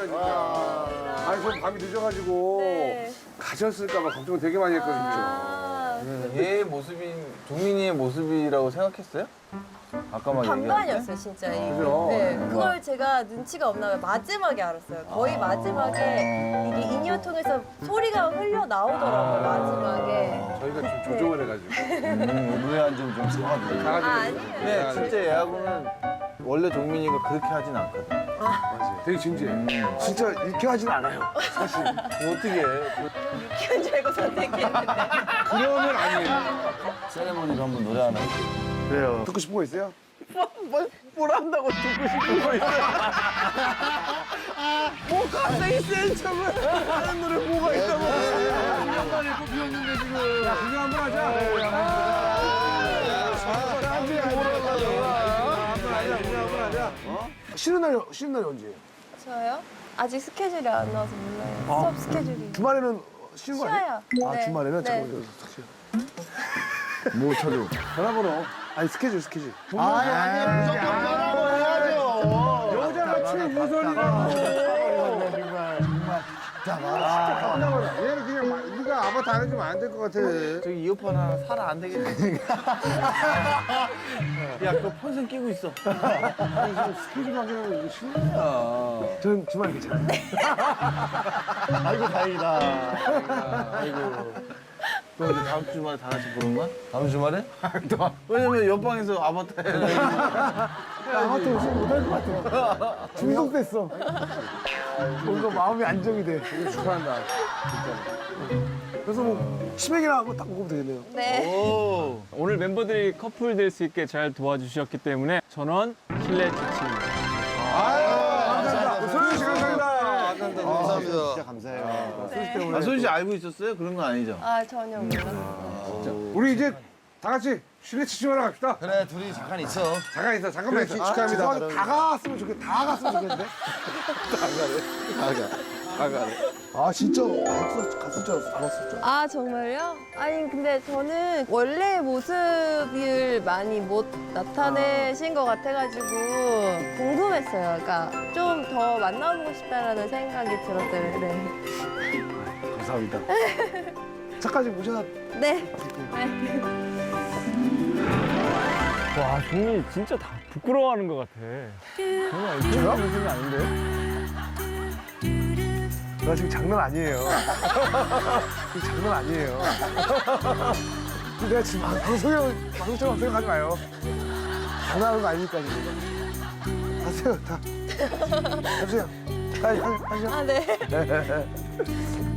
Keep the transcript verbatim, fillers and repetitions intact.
진짜 진짜. 아니 저 밤이 늦어가지고 네. 가셨을까봐 걱정 되게 많이 했거든요. 아, 얘의 모습이 종민이의 모습이라고 생각했어요? 아까 막 반반이었어요, 진짜. 이게. 그죠? 네, 그걸 제가 눈치가 없나 봐요. 마지막에 알았어요. 거의 마지막에 이게 인이어 통해서 소리가 흘려 나오더라고요, 마지막에. 저희가 좀 조종을 해가지고. 음, 의외한 점좀 사가지고. 아, 가가지고. 아니에요. 네, 진짜 얘하고는 원래 종민이가 그렇게 하진 않거든. 맞아요. 되게 진지해. 음. 진짜 이렇게 하진 않아요. 사실. 어떻게 해? 키운 줄 알고 선택했는데. 그러면 아니에요. 세레모니로 한번 노래 하나 해줘. 그래요. 듣고 싶은 거 있어요? 뭘, 뭘 한다고 듣고 싶은 거 있어? 뭐 갑자기 센 척을 하는 노래 뭐가 있다고? 한번 입고 비웠는데 지금. 야, 구경 한번 하자. 네, 한번 하자. 쉬는 날이 쉬는 날이 언제예요? 저요? 아직 스케줄이 안 나와서 몰라요. 수업 스케줄이. 주말에는 쉬는 거 아니에요? 쉬어요. 아 네. 주말에는 네. 잠깐만요. 뭐 찾아? 전화번호. 아니 스케줄 스케줄. 아니 아니 무조건 전화로 해야죠. 여자가 최우선이라고. 얘는 그냥 막 네가 아바타 안 해주면 안 될 것 같아. 저기 이어폰 하나 사라 안 되겠네. 야, 그거 폰슨 끼고 있어. 스케줄 확인하면 이거 싫냐. 저는 주말 괜찮아요. 아이고 다행이다. 아이고. 너 이제 다음 주말에 다 같이 보는 거야? 다음 주말에? 왜냐면 옆방에서 아바타 해. 아바타 요즘 못할 것 같아. 중독됐어. 뭔가 마음이 안정이 돼. 되게 축하한다. 진짜. 그래서 뭐 치맥이나 한번 딱 먹으면 되겠네요. 네. 오. 오늘 멤버들이 커플 될 수 있게 잘 도와주셨기 때문에 전원 실내 지침입니다. 감사합니다. 소연 씨 감사합니다. 감사합니다. 진짜 감사해요. 네. 아, 소희 씨 알고 있었어요? 그런 건 아니죠? 아, 전혀 몰랐어요. 우리 이제 다 같이 실내 치즈하러 갑시다. 그래 둘이 잠깐 있어. 잠깐 있어. 잠깐만 있어. 축하합니다. 죄송한데 다 갔으면 좋겠. 다 갔으면 좋겠는데. 아 진짜 갔을, 갔을 줄 알았어. 다 갔을 줄 알았어. 아, 정말요? 아니, 근데 저는 원래 모습을 많이 못 나타내신 것 같아가지고 궁금했어요. 그러니까 좀 더 만나보고 싶다라는 생각이 들었어요. 네. 감사합니다. 차까지 모셔다. 네. 와, 종민이 진짜 다 부끄러워하는 것 같아. 정말 이런 모습이 아닌데? 나 지금 장난 아니에요. 지금 장난 아니에요. 내가 지금 방송에 방송처럼 생각하지 마요. 장난하는 거 아니니까 지금. 가세요 다. 가세요. 빨리 하세요. 아, 네.